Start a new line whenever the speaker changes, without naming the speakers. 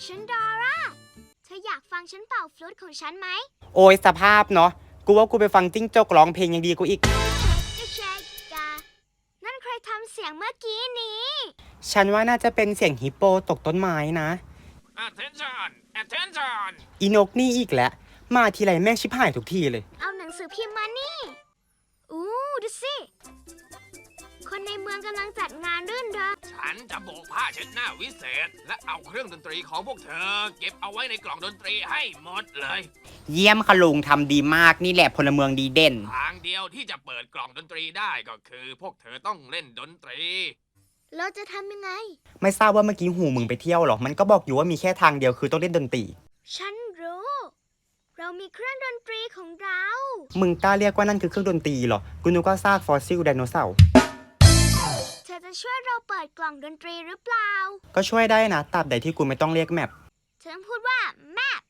ฉันดอร่าเธออยากฟังฉันเป่าฟลุตของฉันไหม
โอ้ยสภาพเนาะกูว่ากูไปฟังจิ้งจกร้องเพลงยังดีกูอีก
เช็คกานั่นใครทำเสียงเมื่อกี้นี้
ฉันว่าน่าจะเป็นเสียงฮิปโปตกต้นไม้นะ
Attention Attention
อีนกนี่อีกแล้วมาทีไรแม่งชิบหายทุกทีเลย
เอาหนังสือพิมพ์มานี่อู้ดูสิคนในเมืองกำลังจัดงานรื่นเริง
ฉันจะโบกผ้าเช็ดหน้าวิเศษและเอาเครื่องดนตรีของพวกเธอเก็บเอาไว้ในกล่องดนตรีให้หมดเลย
เยี่ยมค่ะลุงทำดีมากนี่แหละพลเมืองดีเด่น
ทางเดียวที่จะเปิดกล่องดนตรีได้ก็คือพวกเธอต้องเล่นดนตรี
เราจะทำยังไง
ไม่ทราบว่าเมื่อกี้หูมึงไปเที่ยวหรอมันก็บอกอยู่ว่ามีแค่ทางเดียวคือต้องเล่นดนตรี
ฉันรู้ เรามีเครื่องดนตรีของเรา
มึงกล้าเรียกว่านั่นคือเครื่องดนตรีหรอกูนึกว่าซากฟอสซิลไดโนเสาร์
เธอจะช่วยเราเปิดกล่องดนตรีหรือเปล่า
ก็ช่วยได้นะตราบใดที่กูไม่ต้องเรียกแมป
เธอต้องพูดว่า map